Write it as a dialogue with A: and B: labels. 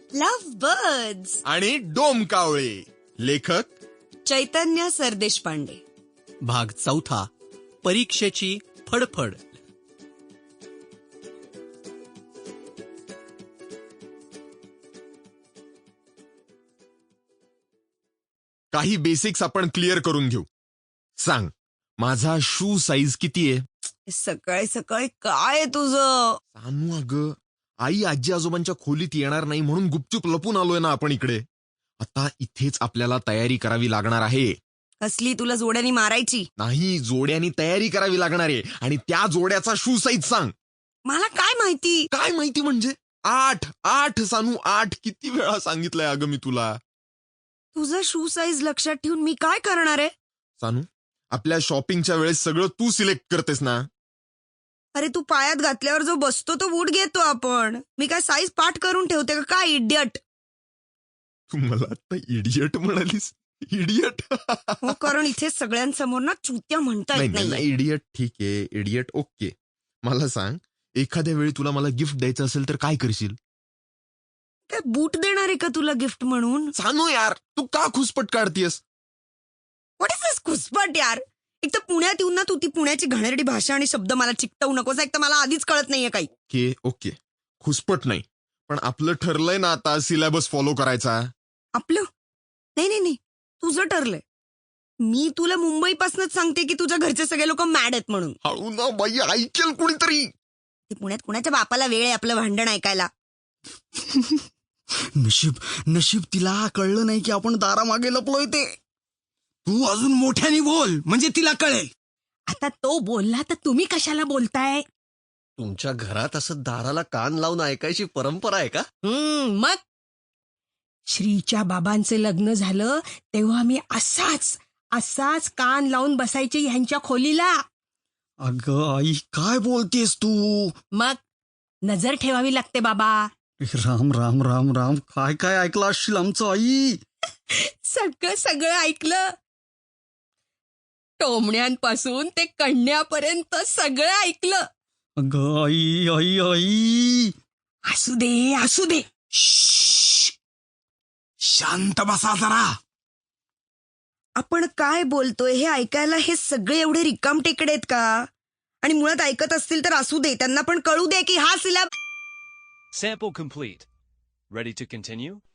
A: Love birds
B: आणि डोमकावळे. लेखक
A: चैतन्य सरदेशपांडे.
C: भाग 4. परीक्षेची फडफड.
B: काही बेसिक्स आपण क्लिअर करून घेऊ. सांग, माझा शू साईज किती आहे?
A: सकाळी सकाळी काय आहे तुझं?
B: सानू, अगं आई आजी आजोबांच्या खोलीत येणार नाही म्हणून गुपचूप लपून आलोय ना आपण इकडे. आता इथेच आपल्याला तयारी करावी लागणार आहे.
A: कसली? तुला जोड्यानी मारायची?
B: नाही, जोड्यानी तयारी करावी लागणार आहे. आणि त्या जोड्याचा शू साईज सांग.
A: मला काय माहिती?
B: काय माहिती म्हणजे? 8 सानू, 8. किती वेळा सांगितलंय अगं मी तुला.
A: तुझा शू साईज लक्षात ठेवून मी काय करणार आहे?
B: सानू, आपल्या शॉपिंगच्या वेळेस सगळं तू सिलेक्ट करतेस ना.
A: अरे तू पायात घातल्यावर जो बसतो तो बूट घेतो आपण. मी काय साईज पाठ करून ठेवते का काय? इडियट.
B: तू मला आता इडियट म्हणालीस? इडियट?
A: हो, कारण इथे सगळ्यांसमोर ना चुत्या म्हणता येत
B: नाही,
A: नाही.
B: इडियट ठीक आहे, इडियट ओके. मला सांग, एखाद्या वेळी तुला मला गिफ्ट द्यायचं असेल तर काय करशील?
A: काय बूट देणार आहे का तुला गिफ्ट म्हणून?
B: सानू यार, तू का खुसपट काढतीयस?
A: व्हॉट इज दिस खुसपट यार? एक तर पुण्यात येऊन ना तू ती पुण्याची घाणेरडी भाषा आणि शब्द मला चिकटवू नकोस. एक तर मला आधीच कळत नाहीये काही.
B: ओके, खुसपट नाही, पण आपलं ठरलंय ना आता सिलेबस फॉलो करायचा.
A: आपलं? नाही, तुझं ठरलंय. मी तुला मुंबईपासूनच सांगते की तुझ्या घरचे सगळे लोक मॅड आहेत म्हणून.
B: हळू ना बाई, ऐकेल कुणीतरी.
A: ते पुण्यात कुणाच्या बापाला वेळ आहे आपलं भांडण ऐकायला?
C: नशीब तिला कळलं नाही की आपण दारामागे लपलोय ते. तू अजून मोठ्याने बोल म्हणजे तिला कळेल.
A: आता तो बोलला तर तुम्ही कशाला बोलताय?
D: तुमच्या घरात असं दाराला कान लावून ऐकायची परंपरा आहे का?
A: मग श्रीच्या बाबांचे लग्न झालं तेव्हा मी असाच कान लावून बसायचे ह्यांच्या खोलीला.
C: अगं आई, काय बोलतेस तू?
A: मग नजर ठेवावी लागते बाबा.
C: राम राम राम राम, काय ऐकलं असशील आमचं आई?
A: सगळं ऐकलं. टोमण्यांपासून ते कण्यापर्यंत सगळं ऐकलं.
C: अगं आई आई आई,
A: असू दे.
C: शांत बसा जरा.
A: आपण काय बोलतोय हे ऐकायला हे सगळे एवढे रिकामटेकडे आहेत का? आणि मुळात ऐकत असतील तर असू दे, त्यांना पण कळू दे की हा syllabus.
E: Sample complete. Ready to continue?